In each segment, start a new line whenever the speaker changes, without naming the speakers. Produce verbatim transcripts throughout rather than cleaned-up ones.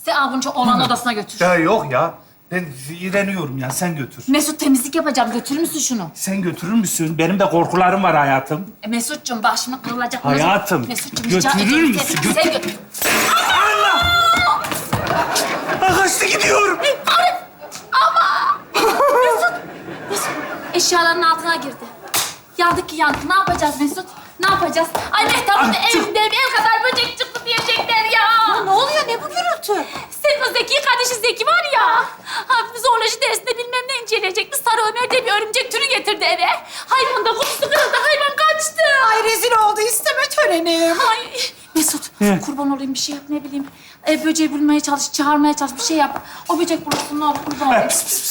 Sen Avuncu olan odasına götür.
Ya yok ya. Ben iğreniyorum ya. Sen götür.
Mesut temizlik yapacağım. Götürür müsün şunu?
Sen götürür müsün? Benim de korkularım var hayatım.
E, Mesut'cum bak şimdi kırılacak.
Hayatım,
Mesut'cum rica
götürür
ederim.
müsün?
Sen, sen götür.
Allah! Ah, kaçtı gidiyor.
Mesut eşyaların altına girdi. Yandık ki yandık. Ne yapacağız Mesut? Ne yapacağız? Ay Mehtap'ın
Ah, çık.
evinde bir kadar böcek çıktı diyecekler ya.
Ne oluyor? Ne bu gürültü?
Senin o Zeki kardeşi Zeki var ya. Ha, zooloji dersinde bilmem ne inceleyecekti. Sarı Ömer diye bir örümcek türü getirdi eve. Hayvan da kutusu kırıldı. Hayvan kaçtı.
Ay rezil oldu isteme törenim.
Ay Mesut kurban olayım bir şey yap ne bileyim. E, böceği bulmaya çalış, çağırmaya çalış bir şey yap. O böcek bulursun ne olur kurban olayım.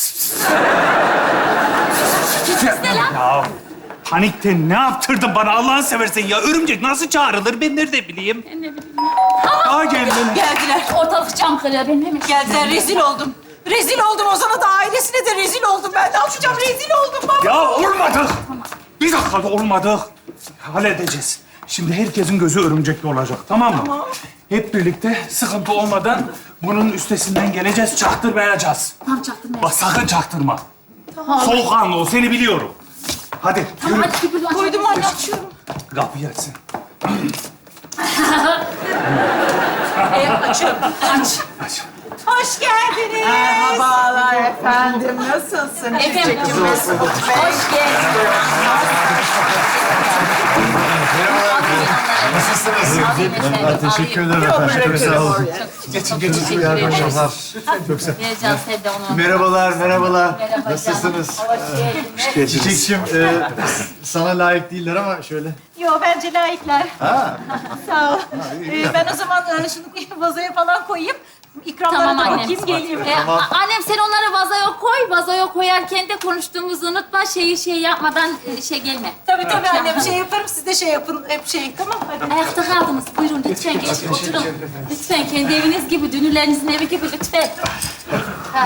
Ne lan?
Ya panikten ne yaptırdın bana Allah'ını seversen ya? Örümcek nasıl çağrılır ben nerede bileyim?
Ne bileyim.
Aa geldin.
Geldiler.
Ortalık cam kırıyor benim hemen.
Geldiler rezil oldum. Rezil oldum Ozan'a da ailesine de rezil oldum ben. Ne yapacağım? Rezil oldum baba.
Ya olmadı. Bir dakika da olmadı. Halledeceğiz. Şimdi herkesin gözü örümcekli olacak, tamam mı?
Tamam.
Hep birlikte sıkıntı olmadan bunun üstesinden geleceğiz, çaktırmayacağız.
Tamam çaktırma.
Bak sakın çaktırma. Soğukkanlı ol, seni biliyorum. Hadi,
Tamam
yürü.
hadi bir bölüm
Koydum anne açıyorum.
Kapıyı açsın.
E, açıyorum. Aç.
Aç.
Hoş geldiniz. Merhabalar efendim. Nasılsınız?
Efendim.
Çiçekçim Mesut Bey.
Hoş geldin.
Nasılsınız? Teşekkür ederim
Yok,
efendim. Çok
bırakırım
sağ olun.
oraya.
Geçin, geçin.
Teşekkür ederim.
Çok sağ olun.
Vereceğim sen de onu.
Merhabalar, merhabalar.
Merhaba
Nasılsınız?
canım. Hoş geldin.
Çiçekçim, e, sana layık değiller ama şöyle.
Yo bence layıklar.
Ha,
Sağ ol. Ee, ben o zaman e, şunu vazoya falan koyayım. İkramlara
Tamam
da
annem.
bakayım geleyim.
Ee, a- annem sen onları vazoya koy. Vazoya koyarken de konuştuğumuzu unutma. Şeyi şey yapmadan e, şey gelme.
Tabii tabii annem şey yaparım siz de şey yapın hep şey tamam hadi.
Ayakta kaldınız. Buyurun lütfen geçin oturun. Lütfen kendi eviniz gibi, dünürlerinizin evi gibi lütfen. Hah.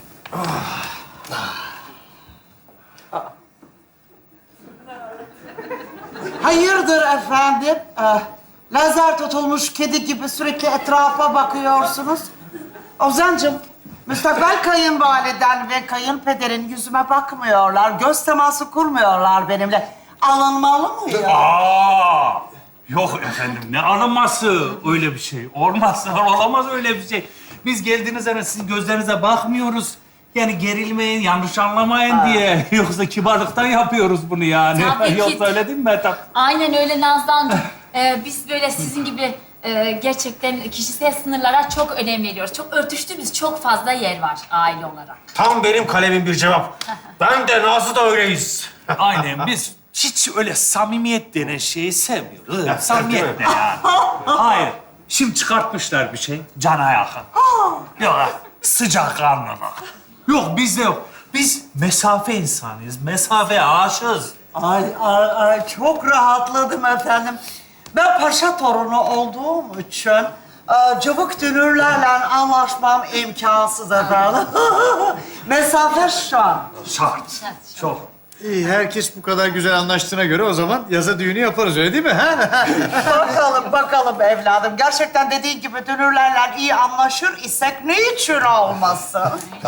Hayırdır efendim? Ee, lazer tutulmuş kedi gibi sürekli etrafa bakıyorsunuz. Ozancığım, müstakbel kayınvaliden ve kayınpederin yüzüme bakmıyorlar. Göz teması kurmuyorlar benimle. Alınmalı mıyım?
Aa! Yok efendim, ne alınması öyle bir şey. Olmaz, olamaz öyle bir şey. Biz geldiğiniz zaman sizin gözlerinize bakmıyoruz. Yani gerilmeyin, yanlış anlamayın diye. Yoksa kibarlıktan yapıyoruz bunu yani.
Tabii ki.
Yoksa öyle değil mi Mehtap?
Aynen öyle Nazlı'cığım. Ee, biz böyle sizin gibi e, gerçekten kişisel sınırlara çok önem veriyoruz. Çok örtüştüğümüz çok fazla yer var aile olarak.
Tam benim kalemin bir cevap. Ben de Nazlı da öyleyiz.
Aynen, biz hiç öyle samimiyet denen şeyi sevmiyoruz.
Ya,
Samimiyet
değil mi?
ne yani? Hayır. Şimdi çıkartmışlar bir şey, cana yakın. Yok, sıcakkanlılık. Yok, bizde yok. Biz mesafe insanıyız, mesafeye aşığız.
Ay, ay, ay çok rahatladım efendim. Ben paşa torunu olduğum için e, cıvık dünürlerle anlaşmam imkansız efendim. Mesafe şart.
Şart. Çok.
iyi, herkes bu kadar güzel anlaştığına göre o zaman yaza düğünü yaparız, öyle değil mi? Ha?
Bakalım, bakalım evladım. Gerçekten dediğin gibi dünürlerle iyi anlaşır isek ne için olmasın?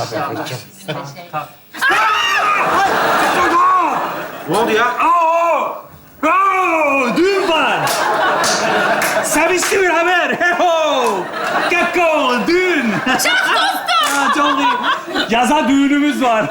Ne oldu ya?
Aa! Aa! Düğün var. Sevinçli bir haber. Heho! Gekko, düğün. Çok dostum. Çok iyi. Yaza düğünümüz var.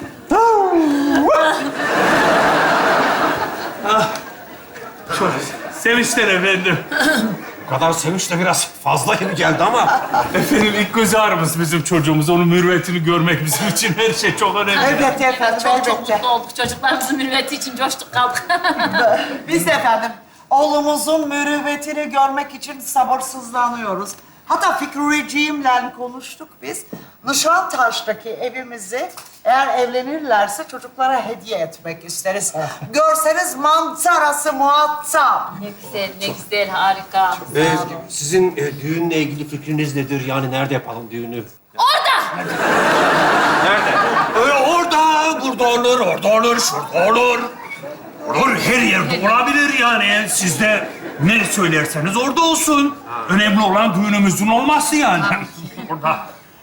Ah, Çok sevinçler efendim.
Bu kadar sevinç de biraz fazla gibi geldi ama.
Efendim ilk göz ağrımız bizim çocuğumuz. Onun mürüvvetini görmek bizim için her şey çok önemli.
Elbette efendim,
Çok çok
elbette.
mutlu olduk. Çocuklarımızın mürüvveti için coştuk kaldık.
Biz de efendim oğlumuzun mürüvvetini görmek için sabırsızlanıyoruz. Hatta Fikriciğimle konuştuk biz. Nişantaş'taki evimizi eğer evlenirlerse çocuklara hediye etmek isteriz. Görseniz manzarası muazzam.
ne güzel, ne güzel, harika.
Ee, sizin e, düğünle ilgili fikriniz nedir? Yani nerede yapalım düğünü?
Orada!
Nerede?
Öyle orada, burada olur, orada olur, şurada olur. Olur, her yerde olabilir yani. Siz de ne söylerseniz orada olsun. Önemli olan düğünümüzün olması yani. burada.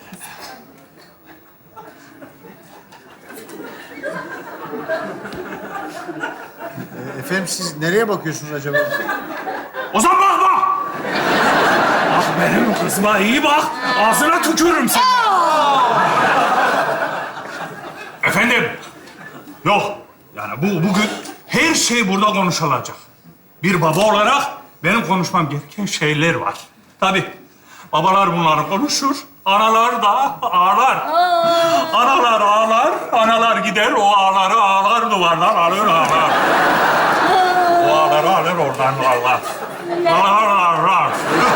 E, efendim siz nereye bakıyorsunuz acaba?
Ozan bakma! Bak benim kızıma iyi bak. Ağzına tükürürüm seni. Efendim? Yok. Yani bu bugün her şey burada konuşulacak. Bir baba olarak benim konuşmam gereken şeyler var. Tabii babalar bunları konuşur. Analar da ağlar. Analar ağlar, analar gider, o ağları ağlar, duvardan alır ağlar. O ağları alır, oradan ağlar. Ağlar, ağlar.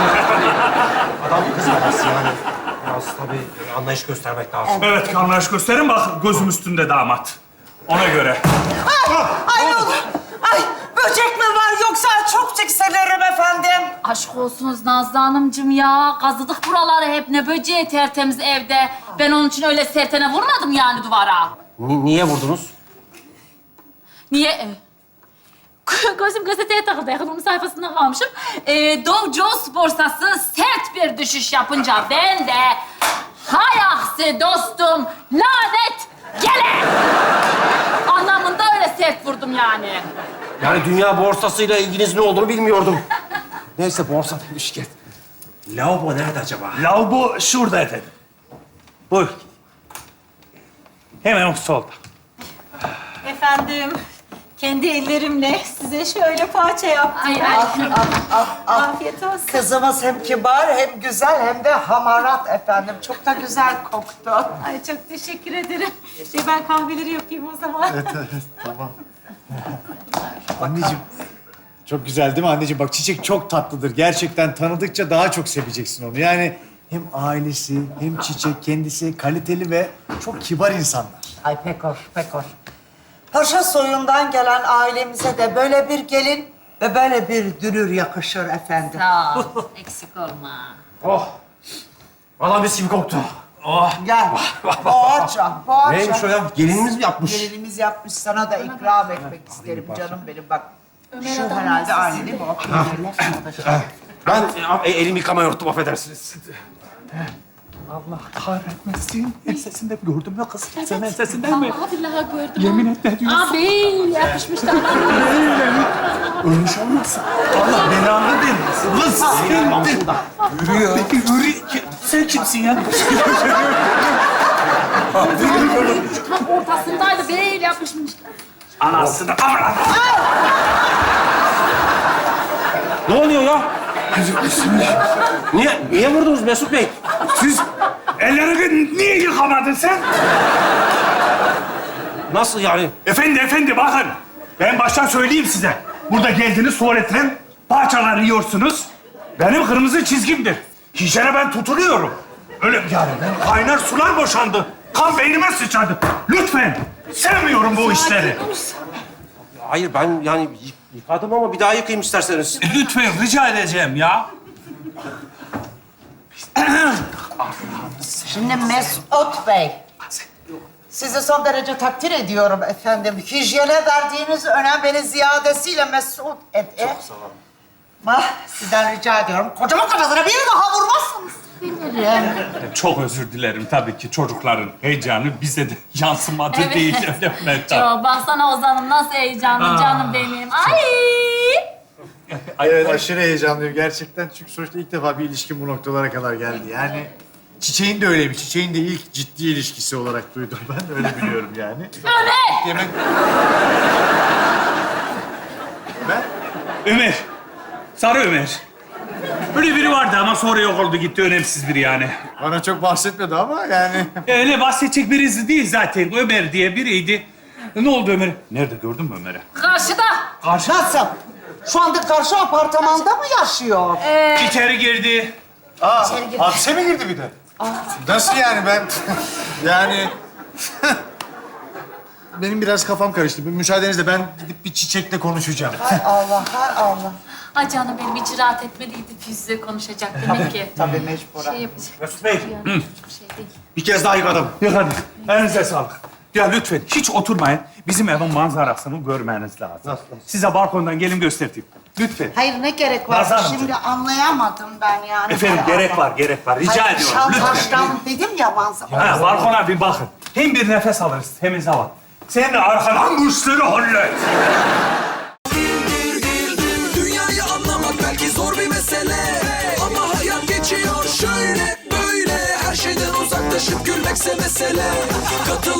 Adam kızmaması yani. Biraz tabii anlayış göstermek lazım.
Evet, anlayış gösterin bak, gözüm üstünde damat. Ona göre.
Ay ne olur. Ay böcek mi var yoksa çok tiksinirim efendim.
Aşk olsunuz Nazlı Hanımcığım ya. Kazıdık buraları hep, ne böceği tertemiz evde. Ben onun için öyle sertene vurmadım yani duvara.
Ni- niye vurdunuz?
Niye? Ee, Gözüm gazeteye takıldı. Yakınımın sayfasında kalmışım. Ee, Dow Jones borsası sert bir düşüş yapınca ben de... Hay aksi dostum, lanet gele! Anlamında öyle sert vurdum yani.
Yani dünya borsasıyla ilginiz ne olduğunu bilmiyordum. Neyse borsa demişken. Lavabo nerede acaba?
Lavabo şurada efendim. Buyur. Hemen o solda.
Efendim, kendi ellerimle size şöyle poğaça yaptım.
Ay, ay.
Afiyet olsun.
Kızımız hem kibar hem güzel hem de hamarat efendim. Çok da güzel koktu.
Ay çok teşekkür ederim. Şey ben kahveleri yapayım o zaman.
Evet, evet, tamam. Anneciğim, çok güzel değil mi anneciğim? Bak çiçek çok tatlıdır. Gerçekten tanıdıkça daha çok seveceksin onu. Yani hem ailesi hem çiçek kendisi kaliteli ve çok kibar insanlar.
Ay pek hoş, pek hoş. Paşa soyundan gelen ailemize de böyle bir gelin ve böyle bir dünür yakışır efendim.
Sağ ol, eksik olma.
Oh! Valla mis gibi koktu.
Oh.
Gel. Poğaça, poğaça.
Neymiş o ya? Gelinimiz mi yapmış?
Gelinimiz yapmış, sana da ikram etmek isterim canım benim bak. Şu herhalde aile değil mi? O peynirler sana da şey.
Ben e, elimi yıkamaya unuttum, affedersiniz.
Allah kahretmesin. Ensesinde gördüm ya kız. Sen ensesinden mi?
Vallahi billahi gördüm.
Yemin et ne diyorsun?
Abi yapışmış da.
Ölmüş olmasın. Allah belanı vermesin. Lan sen de. Yürü. Peki yürü. Sen kimsin ya?
Tam ortasındaydı, böyle yapışmış.
Anasını avradı.
Ne oluyor ya? Niye, niye vurdunuz Mesut Bey?
Siz ellerini niye yıkamadın sen?
Nasıl yani?
Efendi efendi bakın. Ben baştan söyleyeyim size. Burada geldiniz tuvaletten parçalar yiyorsunuz. Benim kırmızı çizgimdir. Hijyene ben tutuluyorum. Öyle yani ben kaynar sular boşandı. Kan beynime sıçradı. Lütfen. Sevmiyorum bu işleri.
Hayır ben yani yı- yıkadım ama bir daha yıkayayım isterseniz.
Lütfen rica edeceğim ya.
Şimdi Mesut Bey, sizi son derece takdir ediyorum efendim. Hijyene verdiğiniz önem beni ziyadesiyle mesut etti. Çok sağ olun. Ah, sizden rica ediyorum. Kocaman kafasına bir daha vurmazsınız.
Çok özür dilerim tabii ki çocukların heyecanı bize de yansımadı
Evet.
değil. Öyle mi Mehtap?
Yo, baksana Ozan'ım nasıl heyecanlı
Aa.
canım benim. Ay!
Evet aşırı heyecanlıyım gerçekten. Çünkü sonuçta ilk defa bir ilişkin bu noktalara kadar geldi. Yani Çiçeğin de öyleymiş. Çiçeğin de ilk ciddi ilişkisi olarak duydum ben. Öyle biliyorum yani.
Ömer!
Yemek... Ben?
Ömer. Sarı Ömer. Öyle biri vardı ama sonra yok oldu gitti. Önemsiz biri yani.
Bana çok bahsetmedi ama yani...
Öyle bahsedecek birisi değil zaten. Ömer diye biriydi. Ne oldu Ömer? Nerede gördün mü Ömer'i?
Karşıda.
Karşı.
Nasıl? Şu anda karşı apartmanda mı yaşıyor?
İçeri girdi.
Aa, hapse mi girdi bir de? Nasıl yani ben... yani... Benim biraz kafam karıştı. Bir müsaadenizle ben gidip bir çiçekle konuşacağım.
Hay Allah, hay Allah.
Ay canım benim hiç rahat etmediydi. Yüzle konuşacak demek ki.
Tabii mecburen.
Şey yapacak.
Mesut Bey,
Yani hiçbir şey değil.
bir kez daha yıkadım.
Yok hadi. Elinize sağlık. Ya lütfen hiç oturmayın. Bizim evin manzarasını görmeniz lazım. Size balkondan gelin göstereyim. Lütfen.
Hayır ne gerek var?
Nazan Hanımcığım.
Şimdi anlayamadım ben yani.
Efendim gerek var, gerek var. Rica
Hayır,
ediyorum. Lütfen.
şantajdan dedim ya manzara.
Ha, balkona bir bakın. Hem bir nefes alırız, temiz hava. Sen de arkadan bu işleri hallet.
Dünyayı anlamak belki zor bir mesele, ama hayat geçiyor şöyle böyle. Her şeyden uzaklaşıp gülmekse mesele. Katıl